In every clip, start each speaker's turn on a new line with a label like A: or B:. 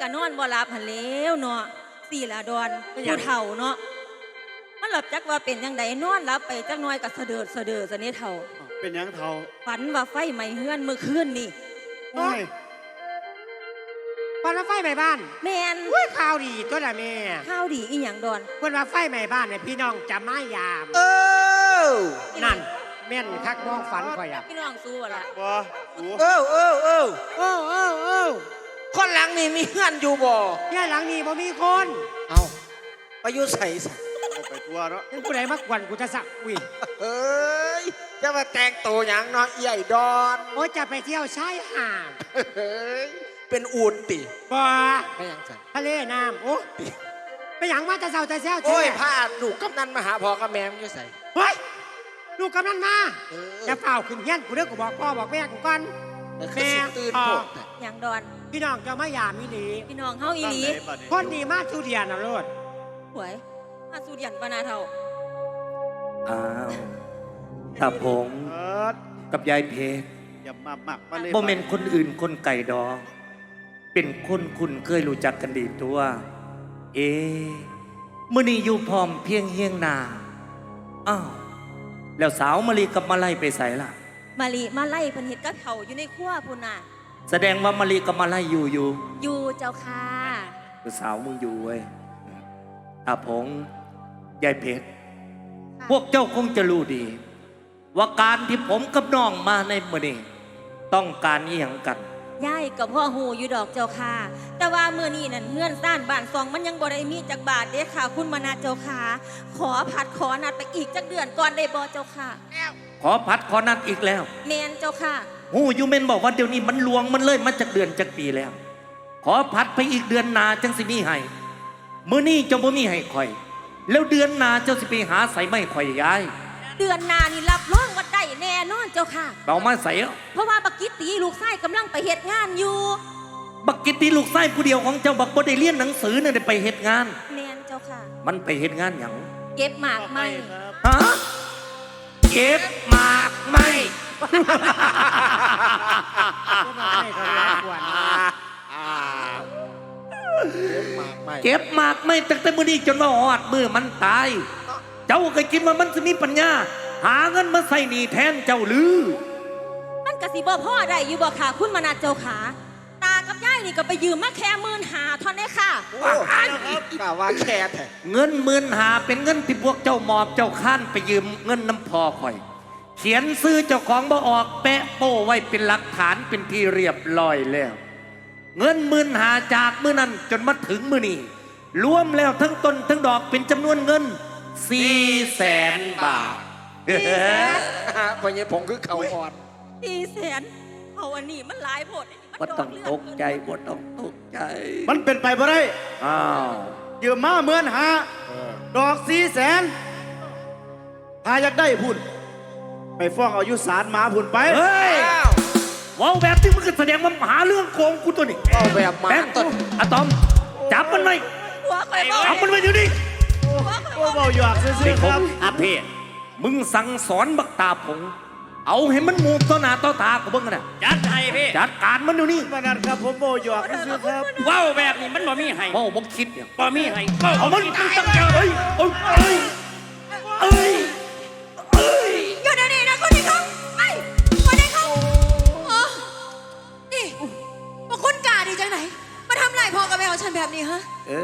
A: ก็นอนบ่หลับหันแล้วเนาะสี่ละดอนผู้เฒ่าเนาะมันหลับจักว่าเป็นยังไงนอนหลับไปจักน้อยก็สะเดิดซะนี่เฒ่า
B: เป็นยังเฒ่า
A: ฝันว่าไฟไหม้เฮือนเมื่อคืนนี่
B: โอ้ย
C: วันว่าไฟไหม้บ้าน
A: แม่น
C: ข่าวดีตัวละแม่
A: ข้าวดีอีหยังดอน
C: วันว่าไฟไหม้บ้านเนี่ยพี่น้องจะมายามนั่นแม่นคักน้องฝันข่อยอ่ะ
A: พี่น้องสู้ล่ะ
B: บ่
D: คนหลังนี่มีเฮือนอยู่บ่
C: ย่าหลังนี้บ่มีคน
D: เอาไปอยู่ใส่
B: ไปทัวเนาะ
C: ผู้ใดมากวนกูจะสักอุ้ย
D: เฮ้ยจะมาแต่งตัวอย่างเนาะใหญ่ดอน
C: โอ้จะไปเที่ยวชายหาด
D: เฮ้ยเป็นอูดติ
C: บ่
D: ไม่ยังสั่
C: ทะเลน้ำโอ้ไปหยังมาแต่เช้าแต่แซ่
D: โอ้ยพาลูกกำนันมาหาพ่อกับแม่มึงอยู่ใส่
C: เฮ้ยลูกกำนันมาจะเฝ้าขึ้นเฮียนกูเด้อกูบอกพ่อบอกแม่กูก่อน
D: แม่ตื่นโผล่
A: หยังดอน
C: พี่น้องจะมายามอีหลี
A: พี่น้องเฮาอีหลี
C: คนดีมากทุเรียนน่ะโลด
A: หวยมาสู่เดียนปานาเฒ่า
E: อ้าวตาผงกับยายเพชร
B: อย่ามามักมาเลย
E: บ่แม่นคนอื่นคนไก่ดองเป็นคนคุณเคยรู้จักกันดีตัวมื้อนี้อยู่พร้อมเพียงเฮียงนาอ้าวแล้วสาวมะลิกับมะไลไปใส่ล่ะ
A: มะลิมาไล่เพิ่นเฮ็ดกับเขาอยู่ในครัวพุ่นน่ะ
E: แสดงว่ามะลิกับมะไลอยู่
A: เจ้าค่ะ
E: คือสาวมึงอยู่เว้ยตาผงยายเพชรพวกเจ้าคงจะรู้ดีว่าการที่ผมกับน้องมาในมื้อนี้ต้องการอีหยังกัน
A: ยายกับพ่อหูอยู่ดอกเจ้าค่ะแต่ว่ามื้อนี้นั่นเงื่อนซ่านบ้านซองมันยังบ่ได้มีจักบาทเด้ค่ะคุณมนาเจ้าค่ะขอผัดขอนัดไปอีกจักเดือนก่อนได้บ่เจ้าค่ะ
E: ขอผัดขอนัดอีกแล้ว
A: แม่นเจ้าค่ะ
E: หูอยู่เม่นบอกว่าเดี๋ยวนี้มันลวงมันเลยมาจากเดือนจากปีแล้วขอผัดไปอีกเดือนหน้าจังสิมีให้มื้อนี้เจ้าบ่มีให้ข่อยแล้วเดือนหน้าเจ้าสิไปหาใส่ไม้ข่อยยาย
A: เดือนหน้านี่รับรองว่าได้แน่นอนเจ้าค่ะ
E: เอามาใส่
A: เพราะว่าบักกิตตีลูกชายกำลังไปเฮ็ดงานอยู่
E: บักกิตตีลูกชายผู้เดียวของเจ้าบักบ่ได้เรียนหนังสือเนี่ยได้ไปเฮ็ดงาน
A: แม่นเจ้าค่ะ
E: มันไปเฮ็ดงานหยัง
A: เก็บหมากไม้
E: ฮะเก็บหมากไม้เก็บหมากไม่ตั้งแต่มื้อนี้จนว่าฮอดมื้อมันตายเจ้าเคยคิดว่ามันจะมีปัญญาหาเงินมาใส่หนี้แทนเจ้าหรือ
A: มันกะสิบ่พ่อได้อยู่บ่ค่ะคุณมนาเจ้าขาตากับยายนี่ก็ไปยืมมาแค่15,000เท่านั้นค่ะ
D: กล่าวว่าแค่
E: เงิน15,000เป็นเงินที่พวกเจ้าหมอบเจ้าข้านไปยืมเงินน้ำพอข่อยเขียนซื้อเจ้าของบ่ออกแปะโป้ไว้เป็นหลักฐานเป็นที่เรียบร้อยแล้วเงิน15,000จากมื้อนั้นจนมาถึงมื้อนี้รวมแล้วทั้งต้นทั้งดอกเป็นจำนวนเงิน400,000 บาท
D: พญผงคือเขาอ่อน
A: 400,000เอาอันนี้มันหลายโพด
E: บ่ต้องตกใจบ่ต้องตกใจ
B: มันเป็นไปบ่ได้
E: อ้าว
B: ยืมมา15,000ดอก400,000ถ้าอยากได้พุ่นไปฟ้องเอายุศาลมาพุ่นไป
E: เฮ้ยว้าวแบบที่มึงก็แสดงว่าหาเรื่องโกงกูตัวนี้
D: ว้าวแบบมา
E: ต้นอะตอมจับมันไว้จับมันไว้เดี๋ยวนี้
B: โอ้เบาหยอกซื่อๆครับ
E: อาเพมึงสั่งสอนบักตาผงเอาให้มันมูต่อหน้าต่อตากูเบิ่งกันนะ
F: จัดให้พี่
E: จัดการมันเดี๋ยวนี้
B: มานัดครับผมเบาหยอกซื่อๆครับ
F: ว้าวแบบนี้มันบ่มีให้
E: บ่คิดเนี่ย
F: บ่มีให้
E: เอามัน
F: ต้องเจอ
E: เอ้ย
A: อยู่เดี๋ยวนี้นะคนนี้เขาคนนี้เขานี่มาคุณกาดีจังไหนมาทำไรพ่อกับแม่ของฉันแบบนี้ฮะ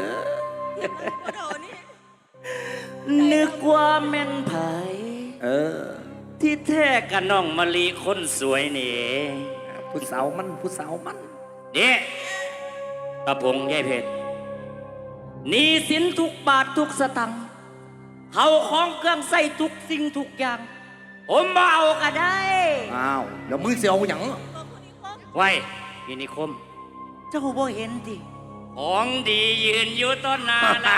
F: นึกว่าแม่นไผที่แท้กับน้องมะลิคนสวยนี่
E: ผู้สาวมัน
F: เด็กกระพงยายเพชรหนี้สินทุกบาททุกสตังค์เขาของเครื่องใส่ทุกสิ่งทุกอย่างผมบ่เอาก็ได้
E: อ้าวแล้วมือเสียวหยัง
F: ไว้พี่นิคมเจ้าบ่เห็นดิของดียืนอยู่ต้นนาละ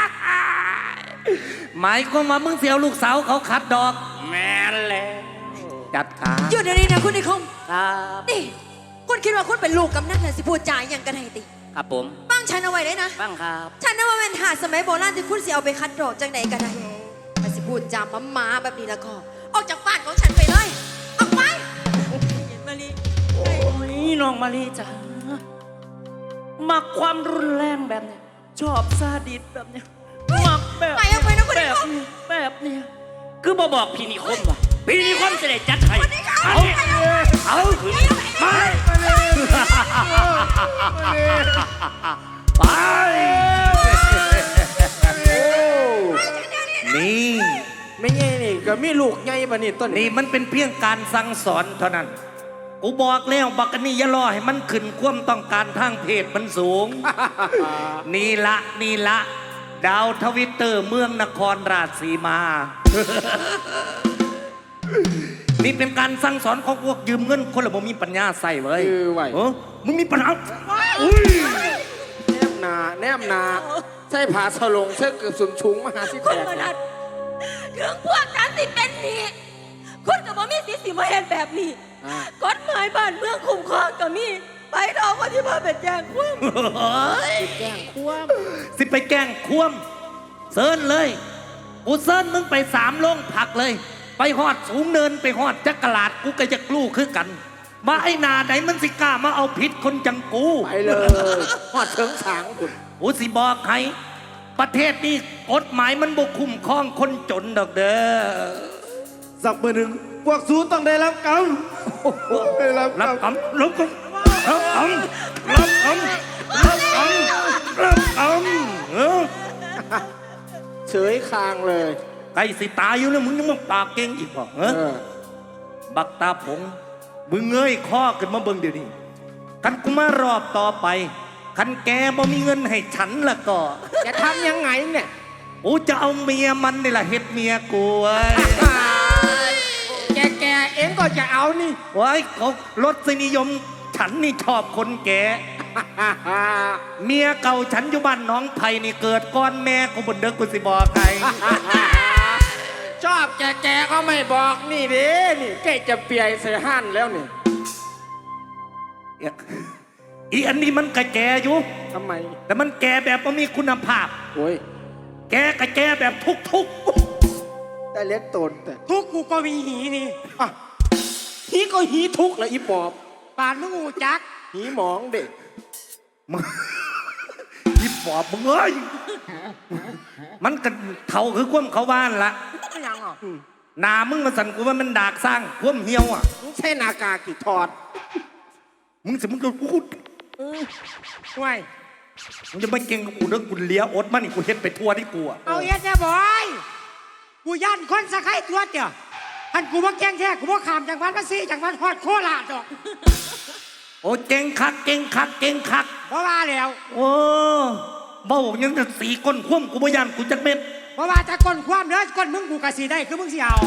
E: หมายความว่ามึงเสียวลูกสาวเขาขัดดอก
F: แม่นแล้ว
E: จัดการ
A: หยุดเดี๋ยวนี้นะคุณนิคม
F: ครับ
A: นี่คุณคิดว่าคุณเป็นลูกกำนันเลยสิพูดจาอย่างกันไหนติ
F: ครับผม
A: ฟังฉันเอาไว้เลยนะ
F: ฟังครับ
A: ฉันน่ะว่าเป็นหาสมัยโบราณที่คุณสิเอาไปคัดดอกจังไหนกันได้มาสิพูดจาม้าแบบนี้แล้วก็ออกจากบ้านของฉันไปเลยออกไปมะลิ
F: โอ้ยน้องมะลิจ้ามักความรุนแรงแบบเนี้ยชอบซาดิสแบบเนี้ยมักแบบ
A: ไปเอาไปนะคุณ
F: แบ
A: นิ
F: บ
A: คม
F: นี้แบบเนี้ยคือบ่บอกพี่นิคมว่ะพี่นิคมจะได้จัดให้
E: เอาไปนี่
D: ไม่ไงนี่ก็มีลูกไงบัดนี้ต้น
E: นี่มันเป็นเพียงการสั่งสอนเท่านั้น กูบอกแล้วบักอันนี่อย่ารอให้มันขึ้นความต้องการทางเพศมันสูง นี่ละ ดาวทวิตเตอร์เมืองนครราชสีมา นี่เป็นการสั่งสอนของพวกยืมเงินคนละบ่มีปัญญาใส่เว้ย
D: ไหว
E: มึงมีปัญหาอุ้ย
D: แนมนาใส่ผ้าสลงใส่เกือบสุนชุงมาหาสิ
A: คุ
D: แต
A: ณ
D: ก
A: มานัดถึงพวกนั้นสิเป็นหนี้คุณกับบ่มีสิทธิ์สิมาเห็นแบบนี้กฎหมายบ้านเมืองคุ้มครองก็มีไปดอกก็ที่มาเป็นแจ้งความ
D: แกล้งควม
E: สิไปแกล้งควมเซิร์นเลยกูเซิร์นมึงไป3 โรงผักเลย ไปหอดสูงเนินไปหอดจักรลาดกูก็จะกลู้คือกันมาไอ้นาไหนมันสิกล้ามาเอาผิดคนจังกู
D: ไปเลยหอดเถิงสางคุณ
E: กูสิบอกให้ประเทศนี้กฎหมายมันบ่คุ้มครองคนจนดอกเด้อ
B: สักมือหนึ่งพวกสูต้องได้รับกรรมได้รับกร
E: รั
B: ร
E: บ
B: ม
E: กำรับกำรับกำรับกำรับกำรับกำ
D: เฉยคางเลย
E: ไก่สิตายอยู่แล้วมึงยังมาปากเก่งอีกบ่เออบักตาผงมึงเงยข้อขึ้นมาเบิ่งเดี๋ยวนี้คันกูมารอบต่อไปคันแกบ่มีเงินให้ฉันละก็
D: จะทำยังไงเนี่ย
E: กูจะเอาเมียมันนี่แหละเฮ็ดเมียกูเว้ย
D: แกเองก็จะเอานี่
E: ไว้เขารสนิยมฉันนี่ชอบคนแก่เมียเก่าฉันอยู่บ้านน้องไผ่นี่เกิดก้อนแม่กูบนเด็กกูสิบอกใคร
D: ชอบแกก็ไม่บอกนี่เด้นี่แกจะเปียใส่ห่านแล้วนี่
E: อีอันนี้มันกะแกอยู่
D: ทำไม
E: แต่มันแกแบบว่ามีคุณภาพ
D: โอ้ย
E: แกกะแกแบบทุก
D: ได้เล็กตนแต่
C: ทุกกูก็มีหีนี่
D: อ่ะฮีก็ฮีทุกข์แล้วอีปอบ
C: ป่านมึงหูจัก
D: หีหมองเด็ก
E: มึงอีปอบมึงเอ้ยมันกันเขาคือความเขาบ้านละ
C: ไม่ยังอ่ะ
E: หนามึงมาสั่นกูว่ามันดากสร้างความเหี่ยวอ่ะ
D: มึงใช่นากากี่ถอด
E: มึงสิมึงก็กู
C: ห่วย
E: มึงจะไม่เก่งกับกูเด้อกูเลี้ยอดมันนี่กูเฮ็ดไปทั่วที่กูอ่ะ
C: เอาเอ็ดเนี่ยบอยกูย่านคนสะไคร้ตัวเดียวท่านกูว่าแกงแท้กูว่าขามจากบ้านมาซีจากบ้านฮอดโคราชดอก
E: โอ้เก่งคัก
C: เพราะว่าแล้ว
E: โอ้เบ้ายังจะสีก้นคว่ำกูบ่ยันกูจักเม็ด
C: เพราะว่าถ้าก้นความเด้อก้นมึงกูกะสีได้คือมึงสิเอา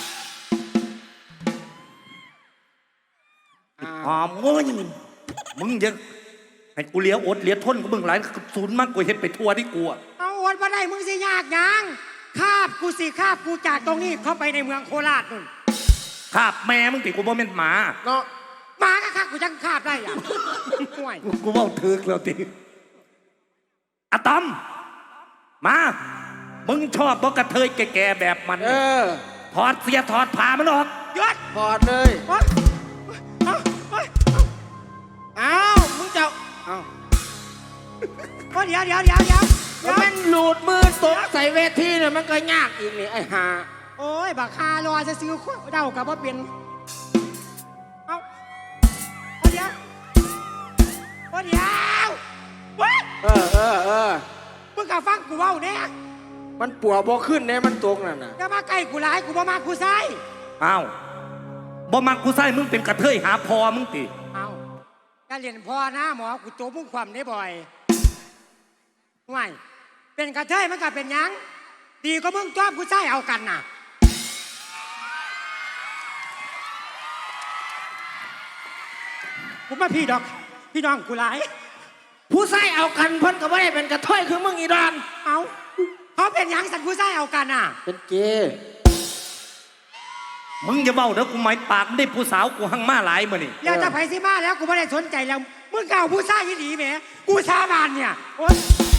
E: หอมเว้ยมึงยังให้กูเลี้ยอดเลี้ยทนกูมึงหลายศูนย์มากกูเฮ็ดไปทั่วที่กูอ่ะ
C: เอาอดมาได้มึงสิยากยังคาบกูสิคาบกูจากตรงนี้เข้าไปในเมืองโคราชนู่น
E: คาบแม่มึงติกูบ่แม่นหมา
D: เนาะ
C: หมาก็คาบกูจังคาบได้อ่ะห่วย
E: กูเว้าถึกแล้วติอะตอมมามึงชอบบ่กระเทยแก่ๆแบบมัน ถอดเสียถอดผ้ามันออก
C: ยศ
D: ถอดเลย
C: โอ๊ยเอาโอ๊ย
D: อ้าวมึงจะอ้าว
C: โอ๊ยเดี๋ยว
D: แล้วมันหลุดมือตกใส่เวทีเนี่ยมันก็ยากอีกนี่ไอ้ห่า
C: โอ้ยบักคารอจะซื้อเดากับว่าเป็นเอาเดี๋ยวเว้ย มึงกะฟังกูเว้าเนี่ย
D: มันปัวบ่ขึ้นเนี่ยมันตกนั่นน่ะ
C: อย่ามาใกล้กูหลายกูบ่มากูใส่
E: อ้าวบ่มักกูใส่มึงเป็นกระเทยหาพอมึงติ
C: เอาการเรียนพ่อนะหมอกูโตมุ่งความได้บ่อยห่วยเป็นกระเทยมันก็เป็นหยังดีก็มึงจ้อบกูใส่เอากันน่ะกูมาพี่ดอกพี่น้องกูหลาย
D: ผู้ใส่เอากันเพิ่นก็ไม่ได้เป็นกระถ้อยคือมึงอีดอน
C: เอาเขาเป็นหยังสันกูใส่เอากันน่ะ
D: เป็นเกย์
E: มึงอย่าเบ้าเด้อกูหมายปากไม่ได้ผู้สาวกูหั่งมาหลายมื้อนี่
C: แล้วจะไปสิมาแล้วกูไม่ได้สนใจแล้วมึงเก่าผู้ใส่ยี่ดีแหมกูสาบานเนี่ยโอ๊ย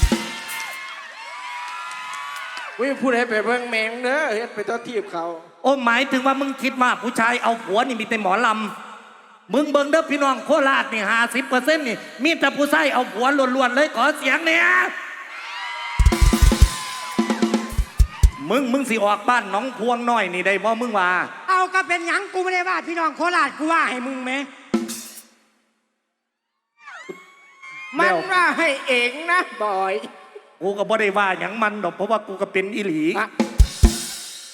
D: วิพูดให้ไปเบิ่งแมงเด้อเฮ็ดไปต้อทีบเขา
E: โอ้หมายถึงว่ามึงคิดว่าผู้ชายเอาผัวนี่มีแต่หมอลมึงเบิ่งเด้อพี่น้องโคราชนี่50%นี่มีแต่ผู้ชายเอาผัวล้วนๆเลยขอเสียงเนี่ยมึงสิออกบ้านหน้องพวงน้อยนี่ได้บ่มึงว่า
C: เอาก็เป็นหยังกูไม่ได้ว่าพี่น้องโคราชกูว่าให้มึงไหม
D: มันว่าให้เองนะบอย
E: กูก็บ่ได้ว่าหยังมันดอกเพราะว่ากูก็เป็นอีหลี
D: อะ